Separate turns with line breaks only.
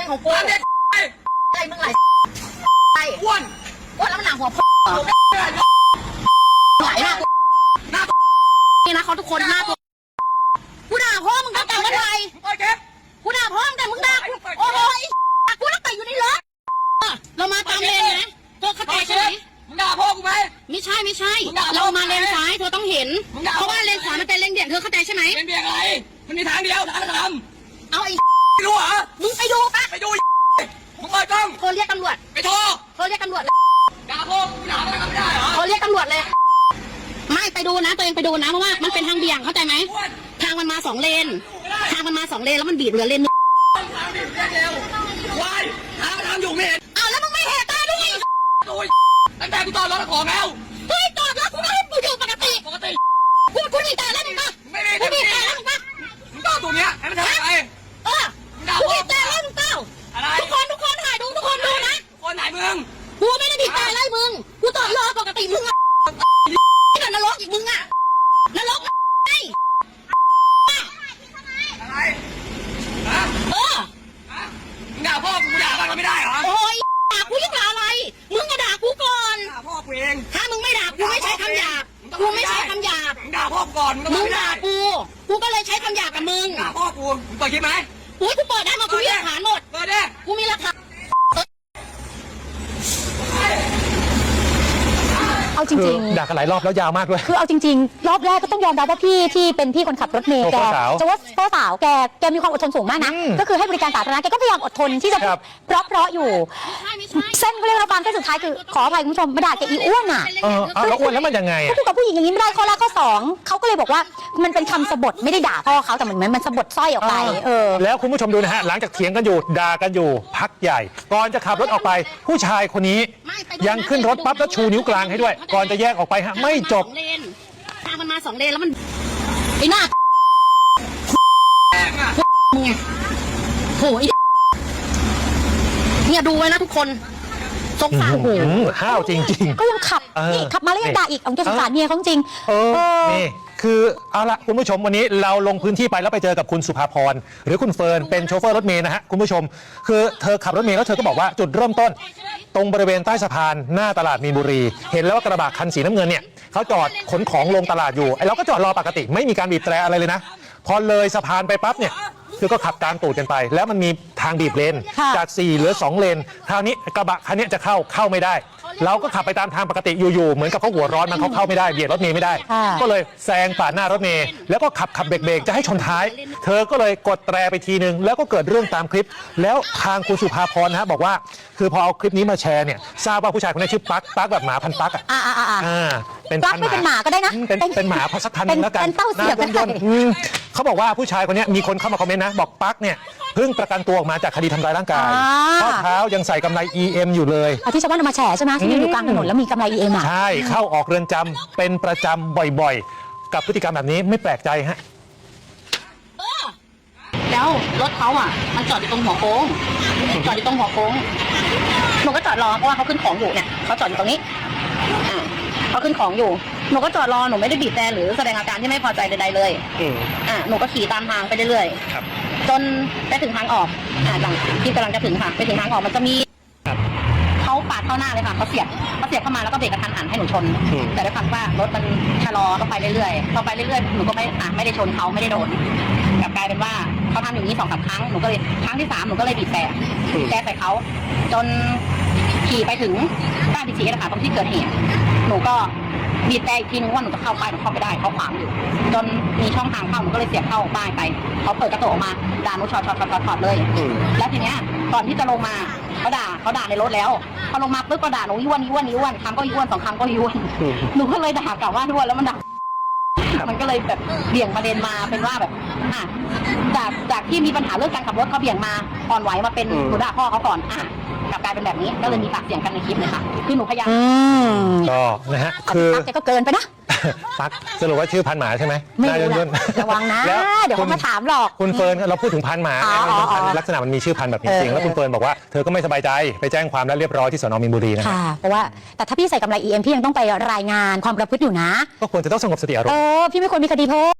ของกู
ความเด็ก
อะไรมึงไหล
อ้วน
แล้วมันหนังหัวพ่อไหลหน้านี่นะเขาทุกคนหน้าตัวกูด่าพ่อมึงตั้งแต่เมื่อไหร่กูด่าพ่อมึงแต่มึงด่ากูโอ้ยกูต้องแต่อยู่ในรถเรามาตามเลนนะเธอเข้าใจใช่ไหม
มึงด่าพ่อกูไหม
ไม่ใช่เรามาเลนซ้ายเธอต้องเห็นเพราะว่าเลนขวามันเป็นเลนเบี่ยงเธอเข้าใจใช่ไหม
เป็นเบี่ยงอะไรมันมีทางเดียวทางทำ
เอาไอ้
ไม่รู้เหรอ
มึงไปดูปะ
ไปดูมึงเปิดกล้อง
โทรเรียกตำรวจ
ไปโทร
เรียกตำรวจ
ด่าพ่อกูด่าอะไรก็ไม่ได้เหรอ
โทรเรียกตำรวจเลยไม่ไปดูนะตัวเองไปดูนะเพราะว่ามันเป็นทางเบี่ยงเข้าใจไหมทางมันมา2 เลนแล้วมันบีบเหลือเลนนึง
ทางบีบเร็ววายทางอยู่ไม่เห็น
อ้าวแล้วมึงไม่เห็นตาด้วย
ตั้งแต่กูจอดรถของแล้ว
เฮ้ยจอดรถกูก็ให้กูอยู่ปกติกูหนีตายแล้วมึงปะกูหนีตายแล้วมึงปะ
มึงจอดตรงเนี้ยให้มันทำอะไร
กูหนีตายแล้วมึงเปล่าทุกคนถ่ายดูทุกคนดูนะ
คนไหนมึง
กูไม่ได้หนีตายแล้วมึงกูจอดรอปกติมึงอะนรกอีกมึงอะนรกไอ้
อะไรมึงด่าพ่อกูด่ามันไม่ได้เหรอ
โอ้ยด่ากูยังด่าอะไรมึงก็ด่ากูก่อน
ด่าพ่อกูเอง
ถ้ามึงไม่ด่ากูไม่ใช้คำหยาบกูไม่ใช้คำหยาบ
มึงด่าพ่อก่อน
มึงด่ากูก็เลยใช้คำหยาบกับมึง
ด่าพ่อกูมึงเปิดคลิปไหม
กูเปิดได้มากูมีหลักฐานหมด
เปิดได้
กูมีหลักฐาน
เอาจริงๆ
ด่ากันหลายรอบแล้วยาวมากด้วย
คือเอาจริงๆรอบแรกก็ต้องยอมรับว่าพี่ที่เป็นพี่คนขับรถเมล์แกจะว่าพ่อสาวแกมีความอดทนสูงมากนะก็คือให้บริการสาธารณะแกก็พยายามอดทนที่จะเพราะอยู่เส้นเขาเรียกว่าความเส้นสุดท้ายคือขออภัยคุณผู้ชมมาด่าแกอีอ้วนอ่ะ
แล้วอ้วนแล้วมันยังไง
ก็พูดกับผู้หญิงอย่างนี้ไม่ได้ข้อแรกข้อ2เขาก็เลยบอกว่ามันเป็นคำสบถไม่ได้ด่าพ่อเขาแต่เหมือนมันสบถสร้อยออกไป
แล้วคุณผู้ชมดูนะฮะหลังจากเถียงกันอยู่ด่ากันอยู่พักใหญ่ก่อนจะขับรถออกไปผู้ชายคนนี้ยังขึ้นรถปั๊บแล้วชูนิ้วกลางให้ด้วยก่อนจะแยกออกไปฮะไม่จบ
ทางมันมา2 เลนแล้วมันไอ้หน้ามึงไงโหเนี่ยดูไว้นะทุกคนสงสาร
ห้าวจริงๆ
ก็ยังขับนี่ขับมาแล้วยังด่าอีกเอาจะสงสารเมียเขาจริง
นี่คือเอาละคุณผู้ชมวันนี้เราลงพื้นที่ไปแล้วไปเจอกับคุณสุภาพรหรือคุณเฟิร์นเป็นโชเฟอร์รถเมล์นะฮะคุณผู้ชมคือเธอขับรถเมล์แล้วเธอก็บอกว่าจุดเริ่มต้นตรงบริเวณใต้สะพานหน้าตลาดมีนบุรีเห็นแล้วว่ากระบะคันสีน้ำเงินเนี่ยเขาจอดขนของลงตลาดอยู่ไอ้เราก็จอดรอปกติไม่มีการบีบแตรอะไรเลยนะพอเลยสะพานไปปั๊บเนี่ยคือก็ขับตามตูดกันไปแล้วมันมีทางบีบเลนจาก4เหลือ2เลนคราวนี้กระบะคันนี้จะเข้าไม่ได้เราก็ขับไปตามทางปกติอยู่ๆเหมือนกับเขาหัวร้อนมันเข้าไม่ได้เบียดรถเมล์ไม่ได้ก็เลยแซงปาดหน้ารถเมล์แล้วก็ขับเบรกจะให้ชนท้ายเธอก็เลยกดแตรไปทีนึงแล้วก็เกิดเรื่องตามคลิปแล้วทางคุณสุภาพรนะฮะบอกว่าคือพอเอาคลิปนี้มาแชร์เนี่ยทราบว่าผู้ชายคนนี้ชื่อปั๊กแบบหมาพันปั๊ก
เป็นพันหมาก็ได้นะ
เป็นหมาพันสักพันนึงแล้วกัน
เป็นเต้าเสียบ
ยนเขาบอกว่าผู้ชายคนนี้มีคนเข้ามาคอมเมนต์นะบอกปั๊กเนี่ยเพิ่งประกันตัวออกมาจากคดีทำร้ายร่างกายข้อเท้ายังใส่กำไร EM อยู่เลย
ที่ชาวบ้านมาแฉใช่ไหมที่อยู่กลางถนนแล้วมีกำไร EM
ใช่เข้าออกเรือนจำเป็นประจำบ่อยๆกับพฤติกรรมแบบนี้ไม่แปลกใจฮะ
แล้วรถเขามันจอดอยู่ตรงหัวโค้งหนูก็จอดรอเพราะว่าเขาขึ้นของอยู่เนี่ยเขาจอดอยู่ตรงนี้เขาขึ้นของอยู่หนูก็จอดรอหนูไม่ได้บีบแต่หรือแสดงอาการที่ไม่พอใจใดๆเลยหนูก็ขี่ตามทางไปเรื่อยๆจนไปถึงทางออกหลังที่กำลังจะถึงค่ะไปถึงทางออกมันจะมีเขาปาดเข้าหน้าเลยค่ะเขาเสียบเข้ามาแล้วก็เบรกกระทันหันให้หนูชนแต่ด้วยความว่ารถมันชะลอต้องไปเรื่อยๆหนูก็ไม่ได้ชนเขาไม่ได้โดนกลับกลายเป็นว่าเขาทำอย่างนี้2-3 ครั้งหนูก็เลยครั้งที่3หนูก็เลยบีบแต่ใส่เขาจนขี่ไปถึงบ้านพีนะคะตรงที่เกิดเหตุหนูก็บีบแต่อีกทีนึงว่าหนูจะเข้าไปหนูเข้าไม่ได้เขาขวางอยู่จนมีช่องทางเข้าหนูก็เลยเสียบเข้าป้ายไปเขาเปิดกระจกออกมาด่าหนูช็อตเลยแล้วทีเนี้ยก่อนที่จะลงมาเขาด่าในรถแล้วพอลงมาปุ๊บก็ด่าหนูย้วนคำก็ย้วน2 คำก็ย้วนหนูก็เลยด่ากลับว่าย้วนแล้วมันด่ามันก็เลยแบบเบี่ยงประเด็นมาเป็นว่าแบบจากที่มีปัญหาเรื่องการขับรถเขาเบี่ยงมาอ่อนไหวมาเป็นหนูด่าพ่อเขาก่อนกลับกลายเป็นแบบนี้ก็เลยมีปากเสียงกันในคลิปเลยค่ะคือหนูพยายาม
ก็นะฮะคือ
แกก็เกินไปนะ
ปั๊กสรุปว่าชื่อพันหมาใช่ไหม
ไม่รู้ระวังนะเดี๋ยวเขามาถามหรอก
คุณเฟิร์นเราพูดถึงพันหมาลักษณะมันมีชื่อพันแบบจริงๆแล้วคุณเฟิร์นบอกว่าเธอก็ไม่สบายใจไปแจ้งความแล้วเรียบร้อยที่สน.มีนบุรีนะครับ
เพราะว่าแต่ถ้าพี่ใส่กำไร EM พี่ยังต้องไปรายงานความประพฤติอยู่นะ
ก็ควรจะต้องสงบสติอารมณ์
พี่ไม่ควรมีคดีเพิ่ม